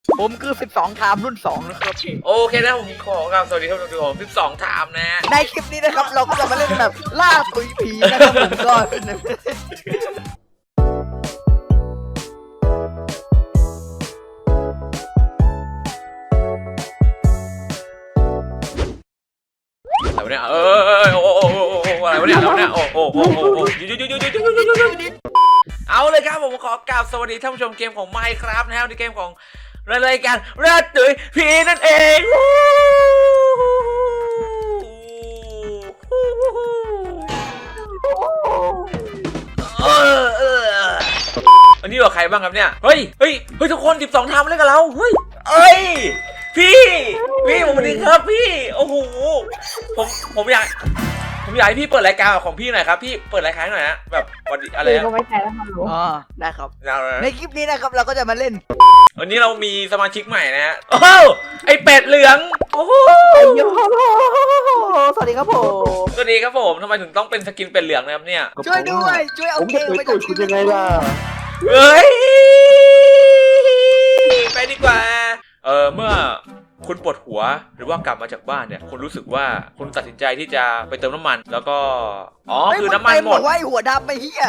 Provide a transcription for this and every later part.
ผมคือ12ไทม์รุ่น2นะครับโอเคนะผมขอกราบสวัสดีท่านผู้ชม12ไทม์นะในคลิปนี้นะครับเราก็จะมาเล่นแบบล่าตุยผีนะครับผมก็อะไรวะเนี่ยอะไรวะเนี่ยเอาเลยครับผมขอกราบสวัสดีท่านผู้ชมเกมของ Minecraft นะครับในเกมของรายการล่าตุยผีนั่นเองวันนี้กับใครบ้างครับเนี่ยเฮ้ยทุกคน12ทำเล่นกับเราเฮ้ยพี่ผมสวัสดีครับพี่โอ้โหผมอยากให้พี่เปิดรายการของพี่หน่อยครับพี่เปิดรายการหน่อยนะแบบวันอะไรนะก็ไม่ใช่แล้วครับหนูอ๋อได้ครับในคลิปนี้นะครับเราก็จะมาเล่นวันนี้เรามีสมาชิกใหม่นะฮะโอ้โหไอเป็ดเหลืองโอ้โหสวัสดีครับผมสวัสดีครับผมทำไมถึงต้องเป็นสกินเป็ดเหลืองนะครับเนี่ยช่วยด้วยช่วยเอาเกมไปจากคุณยังไงล่ะเฮ้ยไปดีกว่าเมื่อคุณปวดหัวหรือว่ากลับมาจากบ้านเนี่ยคุณรู้สึกว่าคุณตัดสินใจที่จะไปเติมน้ำมันแล้วก็คือน้ำมันหมดไว้หัวดำไปเฮีย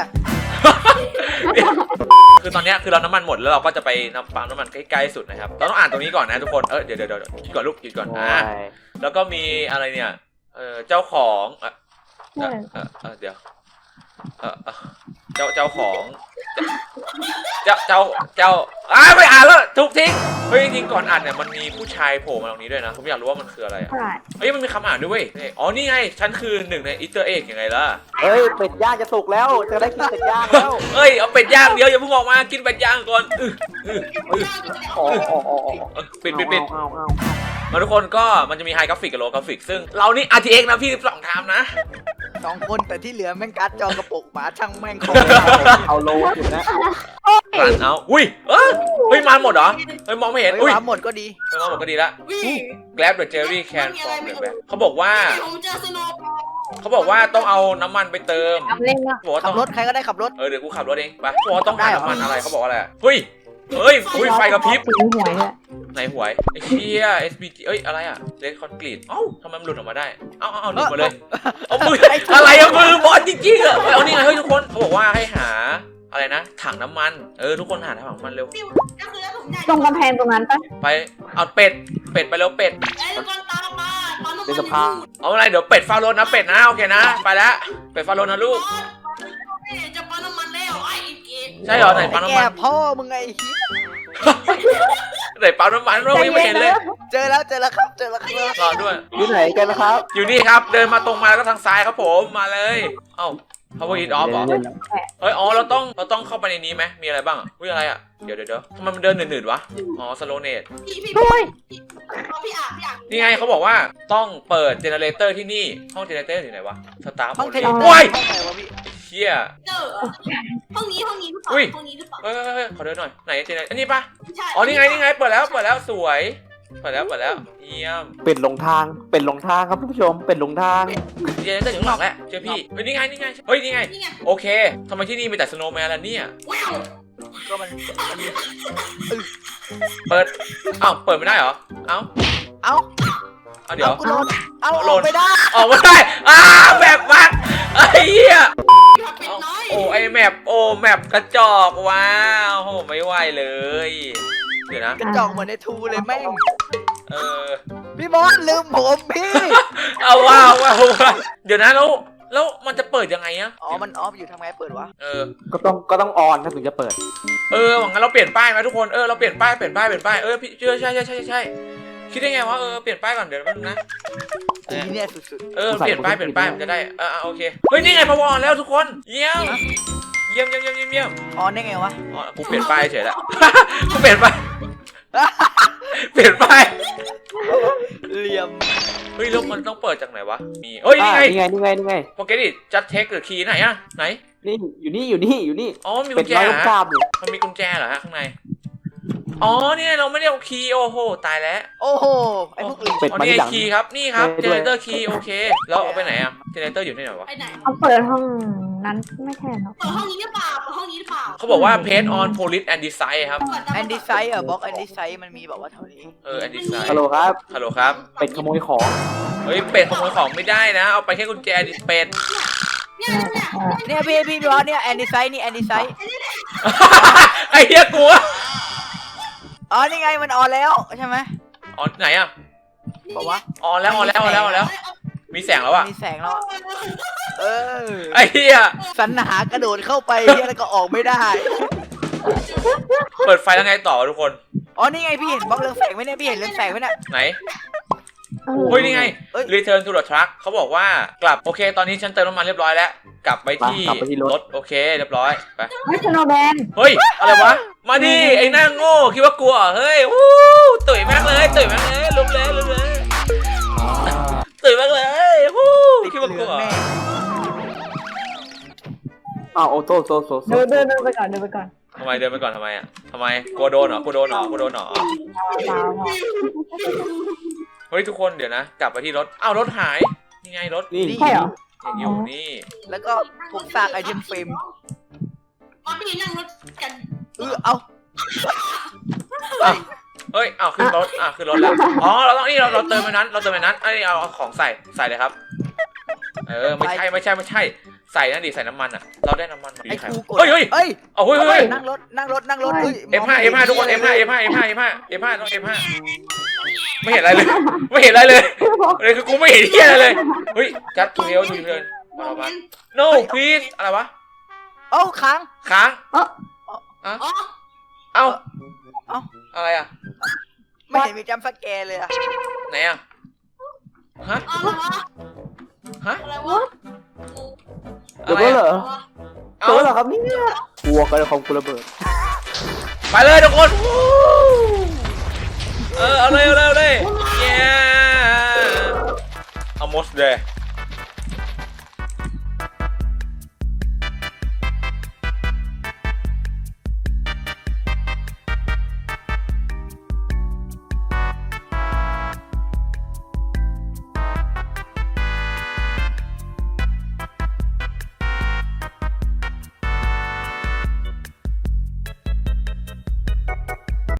คือตอนนี้คือเราน้ำมันหมดแล้วเราก็จะไปปั๊มน้ำมันใกล้ๆสุดนะครับเราต้องอ่านตรงนี้ก่อนนะทุกคนเดี๋ยวคิดก่อนลูกคิดก่อนแล้วก็มีอะไรเนี่ยเจ้าของเดี๋ยวเจ้าของไม่อ่านแล้วทุกทิ้งเฮ้ยจริงๆก่อนอ่านเนี่ยมันมีผู้ชายโผล่มาตรงนี้ด้วยนะผมอยากรู้ว่ามันคืออะไรเฮ้ยมันมีคำอ่านด้วยเว้ยอ๋อนี่ไงฉันคือหนึ่งในอีสเตอร์เอ็กยังไงล่ะเฮ้ยเป็ดย่างจะสุกแล้วจะได้กินเป็ดย่างแล้วเฮ้ยเอาเป็ดย่างเดี๋ยวอย่าเพิ่งออกมากินเป็ดย่างก่อนปิดมาทุกคนก็มันจะมีไฮกราฟิกกับโลกราฟิกซึ่งเรานี่ RTX นะพี่12 ไทม์นะ 2 คนแต่ที่เหลือแม่งการ์ดจอกระปุกหมาช่างแม่งของเอาโลอยู่นะรันเอาอุ้ยเฮ้ยมาหมดเหรอเฮ้ยมองไม่เห็นอุ้ยหมาหมดก็ดีมองหมดก็ดีละ Grab the Jerry can from the back เขาบอกว่าต้องเอาน้ำมันไปเติมทำเล่นนะบอกว่าขัต้บองรถใครก็ได้ขับรถเดี๋ยวกูขับรถเองไปบอกว่าต้องหาน้ำมันอะไรเขาบอกว่าอะไรเฮ้ยไฟกระพริบสีหวยเลยไหนหวยไอ้เชี่ย SBG อะไรอะเลดคอนกรีตทำไมมันหลุดออกมาได้เอาหลุดมาเลยเอามืออะไรอะมือบอลจริงๆอะเอานี่ไงเฮ้ยทุกคนเขาบอกว่าให้หาอะไรนะถังน้ำมันทุกคนหาถังน้ำมันเร็วตรงกำแพงตรงนั้นปะไปเอาเป็ดไปแล้วเป็ดเป็นสภาเอาอะไรเดี๋ยวเป็ดฟาโรนนะเป็ดนะโอเคนะไปแล้วเป็ดฟาโรนนะลูกจะปั๊มน้ำมันแล้วไอ้เกดใช่เหรอไหนปั๊มน้ำแกมันพ่อมึงไงไหนปั๊มน้ำมันเราไม่เห็นเลยเจอแล้วครับรอด้วยอยู่ไหนกันนะครับอยู่นี่ครับเดินมาตรงมาแล้วก็ทางซ้ายครับผมมาเลยpower it off เหรอเฮ้ยเราต้องเข้าไปในนี้ไหมมีอะไรบ้างอะไรอ่ะเดี๋ยวทำไมมันเดินหนืดๆวะslow net พี่อ่านนี่ไงเขาบอกว่าต้องเปิดเจเนเรเตอร์ที่นี่ห้องเจเนเรเตอร์อยู่ไหนวะสตาร์ทห้องเทเลโอ้ยห้องไหนวะพี่เชี่ยเจอห้องนี้หรือเปล่าห้องนี้หรือเปล่าเฮ้ยขอเดินหน่อยไหนเจเนเรอันนี้ปะใช่นี่ไงเปิดแล้วสวยเปิดแล้วเยี่ยมเป็ดหลงทางครับท่านผู้ชมเป็ดหลงทางเจเนเรเตอร์อยู่ข้างหลังแหละเจอพี่นี่ไงเฮ้ยนี่ไงโอเคทำไมที่นี่มีแต่สโนว์แมนล่ะเนี่ยว้าวก็มันเปิดไม่ได้เหรอเดี๋ยวกูโดนเอาลงไม่ได้ออกไม่ได้แบบวัดไอ้เหี้ยเป็ดน้อยไอแมปกระจอกว้าวโหไม่ไหวเลยเดี๋ยวนะกระจอกเหมือนในทูเลยแม่งเออพี่มอสลืมผมพี่เอาว้าวเดี๋ยวนะแล้วมันจะเปิดยังไงอะมันออฟอยู่ทำไงเปิดวะก็ต้องออนนะถึงจะเปิดหวังงั้นเราเปลี่ยนป้ายไหมทุกคนเราเปลี่ยนป้ายพี่ใช่คิดได้ไงวะเปลี่ยนป้ายก่อนเดี๋ยวแป๊บนึงนะทีเนี่ยสุดเปลี่ยนป้ายมันจะได้โอเคเฮ้ยนี่ไงพาวอนแล้วทุกคนเยี่ยมๆออนได้ไงวะกูเปลี่ยนป้ายเฉยแล้ว กูเปลี่ยนป้ายเหลี่ยมเฮ้ยแล้วมันต้องเปิดจากไหนวะมีนี่ไงนี่ไงโปเกดิจัดเทคหรือคีย์ไหนอะไหนนี่อยู่นี่มีเป็กุดญแจน้อยเหรอกราบอยู่มันมีกุญแจเหรอฮะข้างในอ๋อเนี่ยเราไม่ได้เอาคีย์โอ้โหตายแล้วโอ้โหไอ้พวกอื่นเป็ดอ๋อมานี่ที่ไงหลังคีย์ครับนี่ครับเอเจอเนด้วยเรเตอร์คีย์โอเคแล้วเอาไปไหนอะเจเนเรเตอร์อยู่ที่ไหนวะไปไหนเอาเปิดห้องนั้นไม่ใช่เนาะเปิดห้องนี้หรือเปล่าเปิดห้องนี้หรือเปล่าเขาบอกว่า paint on polish and design ครับแอนดี้ไซส์บล็อกแอนดี้ไซส์มันมีแบบว่าเท่านี้ and design ฮัลโหลครับฮัลโหลครับเป็ดขโมยของเฮ้ยเป็ดขโมยของไม่ได้นะเอาไปแค่กุญแจดิเป็ดเนี่ยเนี่ยพี่บอสเนี่ยแอนดี้ไซส์นี่แอนดี้ไซส์ไอ้เหี้ยกลัวอ๋อนี่ไงมันออนแล้วใช่ไหมอ๋อไหนอะบอกว่าออนแล้วมีแสงแล้วอะมีแสงแล้วอะเออไอ้เหี้ยสรรหากระโดดเข้าไปเนี่ยแล้วก็ออกไม่ได้เปิดไฟแล้วไงต่อทุกคนอ๋อนี่ไงพี่เห็นบล็อกเรืองแสงไหมเนี่ยพี่เห็นเรืองแสงไหมเนี่ยไหนเออเฮ้ยนี่ไงเอ้ย return to the truck เขาบอกว่ากลับโอเคตอนนี้ฉันเติมน้ำมันเรียบร้อยแล้วกลับไปที่กลับไปที่รถรถโอเคเรียบร้อยไปไม่สโนว์แมนเฮ้ยอะไรวะมาดิไอ้หน้าโง่คิดว่ากลัวเฮ้ยวู้ตุ๋ยแม่งเลยลุกเลยตุ๋ยแม่งเลยวู้ติดคิดเหว่ากลืลัองวแน่อ้าวโอโต้โซเดินไปก่อนทำไมเดินไปก่อนทำไมอ่ะทำไมกลัวโดนเหรอกลัวโดนเหรอเปล่าเฮ้ยทุกคนเดี๋ยวนะกลับไปที่รถอ้าวรถหายนี่ไงรถนี่ใช่เหรอยังอยู่นี่แล้วก็พวกซากไอเทมเฟรมมาพี่นั่งรถกันเอาเฮ้ยอ้าวขึ้นรถขึ้นรถแล้วอ๋อเราต้องนี่เราเติมไปนั้นไอ้นี่เอาของใส่เลยครับไม่ใช่ใส่นั่นดิใส่น้ำมันอ่ะเราได้น้ำมันมาไอ้ครูกดเฮ้ยเฮ้ยเอาเฮ้ยนั่งรถเฮ้ย F5 ทุกคน F5 ต้อง F5 ไม่เห็นอะไรเลยเลยคือกูไม่เห็นเหี้ยอะไรเลยเฮ้ยจัดทูเฮลมา no please อะไรวะเอ้าค้างค้างอ๋อเอ้าเอ้าอะไรอ่ะไม่เห็นมีจัมป์สแกร์เลยอะไหนอ่ะฮะอะไรวะเดี๋ยวก็เหรอเอาตัวเหรอครับเนี่ยกลัวกันของกูระเบิดไปเลยทุกคนเอาเลย yeah almost there